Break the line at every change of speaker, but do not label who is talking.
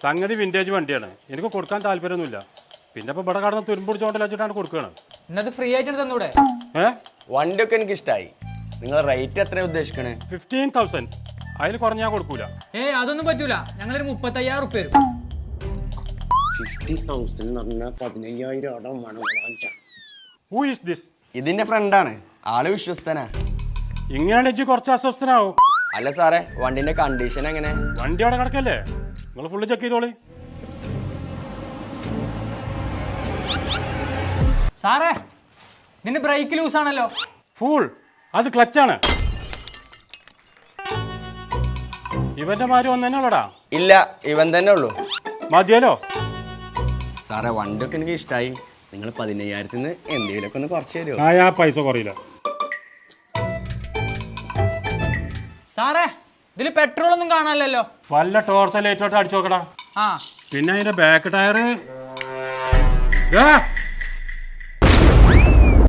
സംഗതി വിന്റേജ് വണ്ടിയാണ്. എനിക്ക് കൊടുക്കാൻ താല്പര്യമൊന്നുമില്ല. പിന്നെ ഇപ്പൊ ഇവിടെ കടന്ന് തുരുമ്പുടിച്ചോണ്ടല്ല വെച്ചിട്ടാണ് കൊടുക്കുകയാണ്.
എന്നത് ഫ്രീ ആയിട്ട് തന്നൂടെ?
വണ്ടിയൊക്കെ എനിക്ക് ഇഷ്ടമായി. നിങ്ങൾ റേറ്റ് എത്രയാണ് ഉദ്ദേശിക്കണേ?
15,000. അതിൽ കുറഞ്ഞാൽ കൊടുക്കൂല.
അതൊന്നും പറ്റൂല. ഞങ്ങളൊരു 35,000 റുപ്യ വരും.
50,000 എന്ന് പറഞ്ഞാൽ 15,000.
Who is this?
ഇതിന്റെ ഫ്രണ്ടാണ്. ആള് വിശ്വസ്തനാ.
ഇങ്ങനെയാണ് ഇജ്ജ് കുറച്ച് അസ്വസ്ഥനാവും.
അല്ല സാറേ, വണ്ടിന്റെ കണ്ടീഷൻ എങ്ങനെ?
വണ്ടി അവിടെ കിടക്കല്ലേ, നിങ്ങൾ ഫുള്ള് ചെക്ക് ചെയ്തോളി.
സാറേ, ഇതിന്റെ ബ്രേക്ക് ലൂസ് ആണല്ലോ.
ഫുൾ അത് ക്ലച്ചാണ്. ഇവന്റെ മാര് ഒന്നെന്നുള്ളടാ.
ഇല്ല, ഇവൻ തന്നെ ഉള്ളൂ.
മതിയല്ലോ
സാറേ, വണ്ടിയൊക്കെ എനിക്ക് ഇഷ്ടമായി. നിങ്ങൾ 15,000 എന്തെങ്കിലുമൊക്കെ ഒന്ന് കുറച്ച് തരുമോ?
ആ പൈസ കുറയില്ല.
സാറേ, ഇതില് പെട്രോൾ ഒന്നും കാണാനല്ലോ.
വല്ല ടോർച്ച് ലൈറ്റോട്ട് അടിച്ചു നോക്കടാ.
ആ
പിന്നെ അതിന്റെ ബാക്ക് ടയറ്